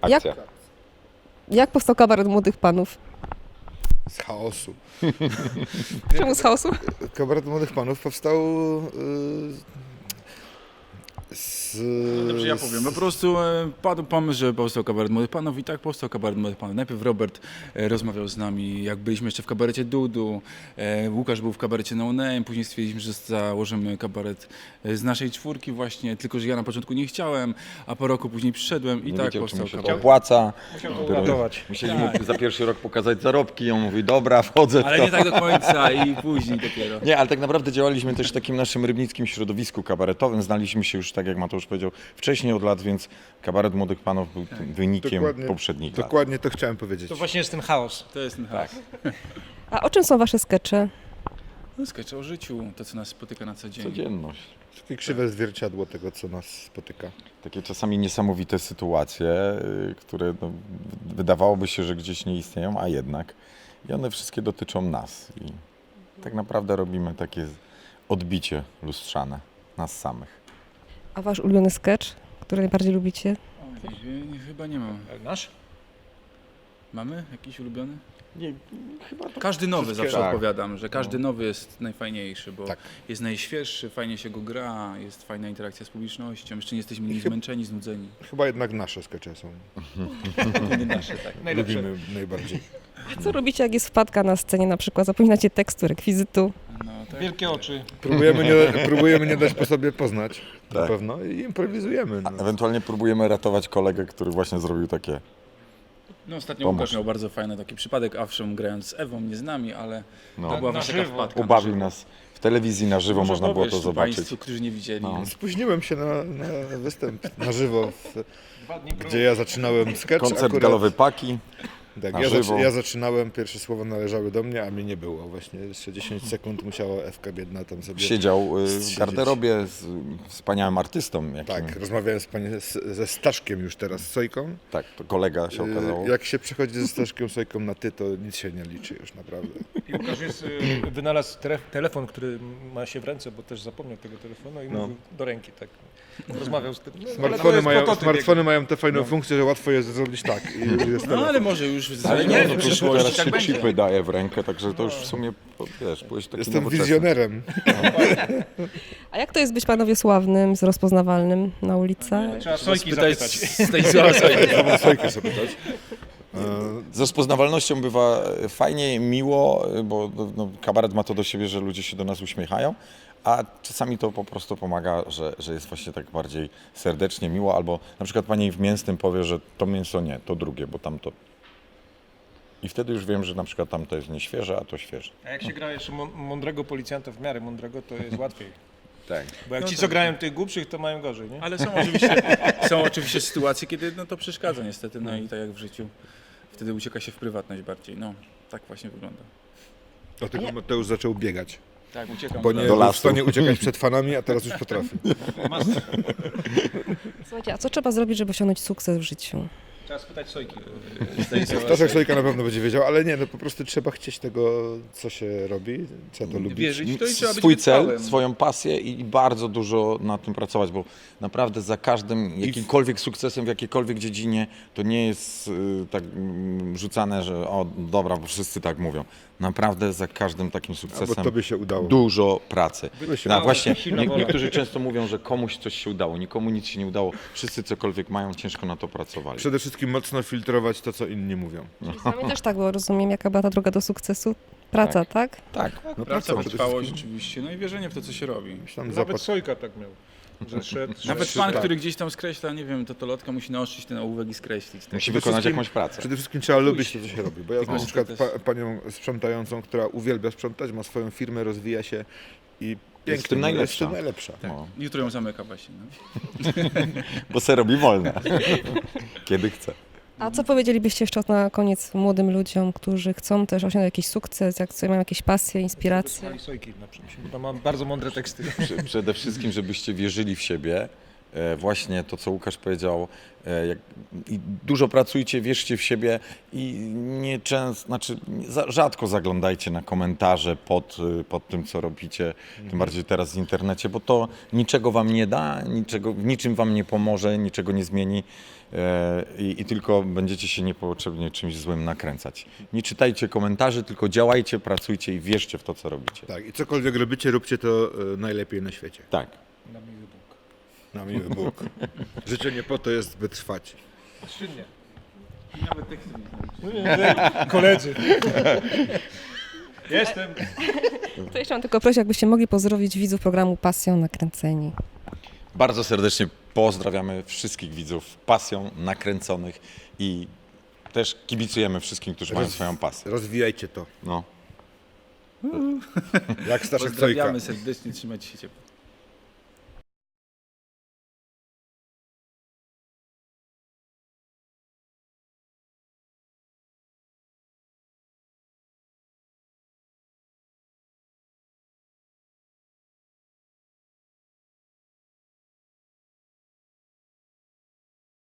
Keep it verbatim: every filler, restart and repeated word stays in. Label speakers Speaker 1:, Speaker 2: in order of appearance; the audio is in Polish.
Speaker 1: Jak,
Speaker 2: Akcja.
Speaker 1: jak powstał kabaret młodych panów?
Speaker 3: Z chaosu.
Speaker 1: Czemu z chaosu?
Speaker 3: Kabaret Młodych Panów powstał yy, z...
Speaker 4: Dobrze, ja powiem. Po prostu e, padł pomysł, że powstał kabaret Młodych Panów i tak powstał kabaret Młodych Panów. Najpierw Robert e, rozmawiał z nami, jak byliśmy jeszcze w kabarecie Dudu, e, Łukasz był w kabarecie No Name, później stwierdziliśmy, że założymy kabaret e, z naszej czwórki właśnie, tylko że ja na początku nie chciałem, a po roku później przyszedłem i
Speaker 2: Nie
Speaker 4: tak
Speaker 2: wiedział, czy
Speaker 4: powstał
Speaker 2: mu się to
Speaker 4: kabaret.
Speaker 2: opłaca.
Speaker 5: Musiał to
Speaker 2: Dopiero
Speaker 5: uratować.
Speaker 2: Musieli mu za pierwszy rok pokazać zarobki i on mówi, dobra, wchodzę w
Speaker 4: Ale
Speaker 2: to.
Speaker 4: nie tak do końca i później dopiero.
Speaker 2: Nie, ale tak naprawdę działaliśmy też w takim naszym rybnickim środowisku kabaretowym. Znaliśmy się już, tak jak Mateusz powiedział, wcześniej od lat, więc kabaret Młodych Panów był tym wynikiem
Speaker 3: Dokładnie-
Speaker 2: poprzednich lat.
Speaker 3: Dokładnie to chciałem powiedzieć.
Speaker 5: To właśnie jest ten chaos.
Speaker 4: To jest ten chaos.
Speaker 1: A o czym są wasze skecze?
Speaker 4: No, skecze o życiu, to co nas spotyka na co dzień.
Speaker 2: Codzienność.
Speaker 3: Takie krzywe zwierciadło tego, co nas spotyka.
Speaker 2: Takie czasami niesamowite sytuacje, y, które no, wydawałoby się, że gdzieś nie istnieją, a jednak. I one wszystkie dotyczą nas. I tak naprawdę robimy takie odbicie lustrzane nas samych.
Speaker 1: A wasz ulubiony sketch, który najbardziej lubicie?
Speaker 4: Oj, nie, chyba nie mam.
Speaker 5: Nasz?
Speaker 4: Mamy jakiś ulubiony?
Speaker 2: Nie, chyba to
Speaker 4: Każdy nowy
Speaker 3: Wszystkie-
Speaker 4: zawsze
Speaker 2: tak.
Speaker 4: odpowiadam, że każdy nowy jest najfajniejszy, bo
Speaker 3: Tak.
Speaker 4: jest najświeższy, fajnie się go gra, jest fajna interakcja z publicznością, jeszcze nie jesteśmy
Speaker 3: I
Speaker 4: nie
Speaker 3: chyb-
Speaker 4: zmęczeni, znudzeni.
Speaker 3: Chyba jednak nasze skecze są.
Speaker 4: Nie nasze, tak.
Speaker 5: Najlepsze.
Speaker 3: Lubimy najbardziej.
Speaker 1: A co robicie, jak jest wpadka na scenie, na przykład zapominacie tekstu, rekwizytu?
Speaker 4: No, tak.
Speaker 5: Wielkie oczy.
Speaker 3: Próbujemy nie, próbujemy nie dać po sobie poznać, na
Speaker 2: Tak.
Speaker 3: pewno, i improwizujemy.
Speaker 2: A
Speaker 3: No.
Speaker 2: ewentualnie próbujemy ratować kolegę, który właśnie zrobił takie.
Speaker 4: No, ostatnio
Speaker 2: Pomóż.
Speaker 4: Łukasz miał bardzo fajny taki przypadek, owszem grając z Ewą, nie z nami, ale
Speaker 2: No,
Speaker 4: to była
Speaker 5: na
Speaker 4: właśnie taka
Speaker 5: żywo.
Speaker 4: wpadka. na
Speaker 2: ubawił
Speaker 4: żywo.
Speaker 2: nas w telewizji na żywo,
Speaker 4: Może
Speaker 2: można było
Speaker 4: powiesz
Speaker 2: to zobaczyć.
Speaker 4: Państwu, którzy nie widzieli.
Speaker 2: No.
Speaker 3: Spóźniłem się na, na występ na żywo, w,
Speaker 5: Dwa dni prób.
Speaker 3: gdzie ja zaczynałem sketch.
Speaker 2: Koncert
Speaker 3: akurat.
Speaker 2: galowy Paki.
Speaker 3: Tak,
Speaker 2: na
Speaker 3: ja,
Speaker 2: żywo.
Speaker 3: zaczy, ja zaczynałem, pierwsze słowa należały do mnie, a mnie nie było. Właśnie jeszcze dziesięć sekund musiała Ewka biedna tam sobie...
Speaker 2: Siedział y, w
Speaker 3: siedzieć.
Speaker 2: garderobie z wspaniałym artystą. Jakim,
Speaker 3: Tak, rozmawiałem z pani, z, ze Staszkiem już teraz, Sojką.
Speaker 2: tak, to kolega się okazało.
Speaker 3: Y, Jak się przechodzi ze Staszkiem Sojką na ty, to nic się nie liczy już naprawdę.
Speaker 5: I Łukasz jest, y, wynalazł tele- telefon, który ma się w ręce, bo też zapomniał tego telefonu i
Speaker 3: No.
Speaker 5: mówił do ręki tak. Rozmawiał z tym. No, ale to
Speaker 3: Smartfony
Speaker 5: jest
Speaker 3: mają,
Speaker 5: prototyp
Speaker 3: smartfony mają tę fajną funkcję, że łatwo jest zrobić tak. I jest
Speaker 4: No
Speaker 3: telefon.
Speaker 4: ale może już
Speaker 2: Ale
Speaker 4: za-
Speaker 2: nie,
Speaker 4: w
Speaker 2: no,
Speaker 4: przyszłości
Speaker 2: teraz
Speaker 4: tak
Speaker 2: się
Speaker 4: będzie.
Speaker 2: chipy daje w rękę, także to już w sumie, wiesz, byłeś taki
Speaker 3: Jestem
Speaker 2: nowoczesny.
Speaker 3: wizjonerem.
Speaker 1: A jak to jest być panowie sławnym, z rozpoznawalnym na ulicach?
Speaker 5: Trzeba Sojki
Speaker 4: Spytać
Speaker 5: zapytać.
Speaker 4: z tej Sojki.
Speaker 3: Trzeba Sojkę sobie dać.
Speaker 2: Z rozpoznawalnością bywa fajnie, miło, bo no, kabaret ma to do siebie, że ludzie się do nas uśmiechają, a czasami to po prostu pomaga, że, że jest właśnie tak bardziej serdecznie, miło, albo na przykład pani w mięsnym powie, że to mięso nie, to drugie, bo tamto. I wtedy już wiem, że na przykład tamto jest nieświeże, a to świeże.
Speaker 5: A jak się gra jeszcze mą- mądrego policjanta, w miarę mądrego, to jest łatwiej.
Speaker 2: Tak.
Speaker 5: Bo jak
Speaker 4: No
Speaker 5: ci,
Speaker 4: tak.
Speaker 5: co grają tych głupszych, to mają gorzej, nie?
Speaker 4: Ale są oczywiście, są oczywiście sytuacje, kiedy no, to przeszkadza niestety, no i tak jak w życiu. Wtedy ucieka się w prywatność bardziej. No, tak właśnie wygląda.
Speaker 3: Dlatego Mateusz zaczął biegać.
Speaker 4: Tak, uciekam.
Speaker 3: Bo
Speaker 4: do
Speaker 3: nie
Speaker 2: Do
Speaker 3: był w
Speaker 2: lasu.
Speaker 3: stanie uciekać przed fanami, a teraz już potrafi.
Speaker 1: Słuchajcie, a co trzeba zrobić, żeby osiągnąć sukces w życiu?
Speaker 5: Trzeba spytać Sojki.
Speaker 3: Staszek Sojka na pewno będzie wiedział, ale nie, no po prostu trzeba chcieć tego, co się robi, trzeba to lubić.
Speaker 4: Wierzyć w to i trzeba być
Speaker 2: Swój cel,
Speaker 4: wytrwałym.
Speaker 2: swoją pasję i bardzo dużo nad tym pracować, bo naprawdę za każdym jakimkolwiek sukcesem w jakiejkolwiek dziedzinie to nie jest y, tak mm, rzucane, że o dobra, bo wszyscy tak mówią. Naprawdę za każdym takim
Speaker 3: Albo
Speaker 2: sukcesem
Speaker 3: tobie się udało.
Speaker 2: dużo pracy.
Speaker 3: Tobie się
Speaker 2: No,
Speaker 3: udało.
Speaker 2: właśnie,
Speaker 5: Silna
Speaker 2: nie,
Speaker 5: wola.
Speaker 2: niektórzy często mówią, że komuś coś się udało, nikomu nic się nie udało. Wszyscy cokolwiek mają, ciężko na to pracowali.
Speaker 3: Przede wszystkim mocno filtrować to, co inni mówią.
Speaker 1: Z wami też tak było, rozumiem, jaka była ta droga do sukcesu? Praca, tak?
Speaker 2: Tak.
Speaker 3: No
Speaker 4: Praca,
Speaker 3: przede
Speaker 4: wytrwałość
Speaker 3: wszystkim.
Speaker 4: oczywiście, no i wierzenie w to, co się robi.
Speaker 3: Tam
Speaker 5: Nawet
Speaker 3: zapad...
Speaker 5: Sojka tak miał. Że szedł,
Speaker 4: Nawet
Speaker 5: szedł.
Speaker 4: pan,
Speaker 3: tak.
Speaker 4: który gdzieś tam skreśla, nie wiem, to to lotka musi naostrzyć ten ołówek i skreślić. Tak?
Speaker 2: Musi
Speaker 3: Przede
Speaker 2: wykonać
Speaker 3: wszystkim-
Speaker 2: jakąś pracę.
Speaker 3: Przede wszystkim trzeba lubić to, co się robi. Bo ja
Speaker 4: Tylko
Speaker 3: znam na przykład
Speaker 4: sukces.
Speaker 3: pa, panią sprzątającą, która uwielbia sprzątać, ma swoją firmę, rozwija się i pięknie,
Speaker 2: w tym
Speaker 3: no, jest
Speaker 2: najlepsza.
Speaker 3: w tym najlepsza.
Speaker 2: No,
Speaker 4: Jutro ją zamyka właśnie. No.
Speaker 2: bo se robi wolne, kiedy chce.
Speaker 1: A co powiedzielibyście jeszcze na koniec młodym ludziom, którzy chcą też osiągnąć jakiś sukces, jak sobie mają jakieś pasje, inspiracje?
Speaker 5: Słuchaj Sojki na przykład, bo tam mam bardzo mądre teksty.
Speaker 2: Prze- Przede wszystkim, żebyście wierzyli w siebie e, właśnie to, co Łukasz powiedział, e, jak, i dużo pracujcie, wierzcie w siebie i nie często, znaczy nie- za, rzadko zaglądajcie na komentarze pod, y, pod tym, co robicie, tym bardziej teraz w internecie, bo to niczego wam nie da, niczego, w niczym wam nie pomoże, niczego nie zmieni e, i, i tylko będziecie się niepotrzebnie czymś złym nakręcać. Nie czytajcie komentarzy, tylko działajcie, pracujcie i wierzcie w to, co robicie.
Speaker 3: Tak, i cokolwiek robicie, róbcie to e, najlepiej na świecie.
Speaker 2: Tak.
Speaker 5: Na miły Bóg.
Speaker 3: Na miły Bóg. Życzenie po to jest, by trwać.
Speaker 5: Czynnie.
Speaker 4: Nawet tekstu nie znam.
Speaker 5: Koledzy. Jestem.
Speaker 1: To jeszcze mam tylko prosić, jakbyście mogli pozdrowić widzów programu Pasją Nakręceni.
Speaker 2: Bardzo serdecznie pozdrawiamy wszystkich widzów pasją nakręconych i też kibicujemy wszystkim, którzy mają swoją pasję.
Speaker 3: Rozwijajcie to.
Speaker 2: No.
Speaker 3: Jak Staszek Sojka.
Speaker 4: Pozdrawiamy serdecznie, trzymajcie się ciepło.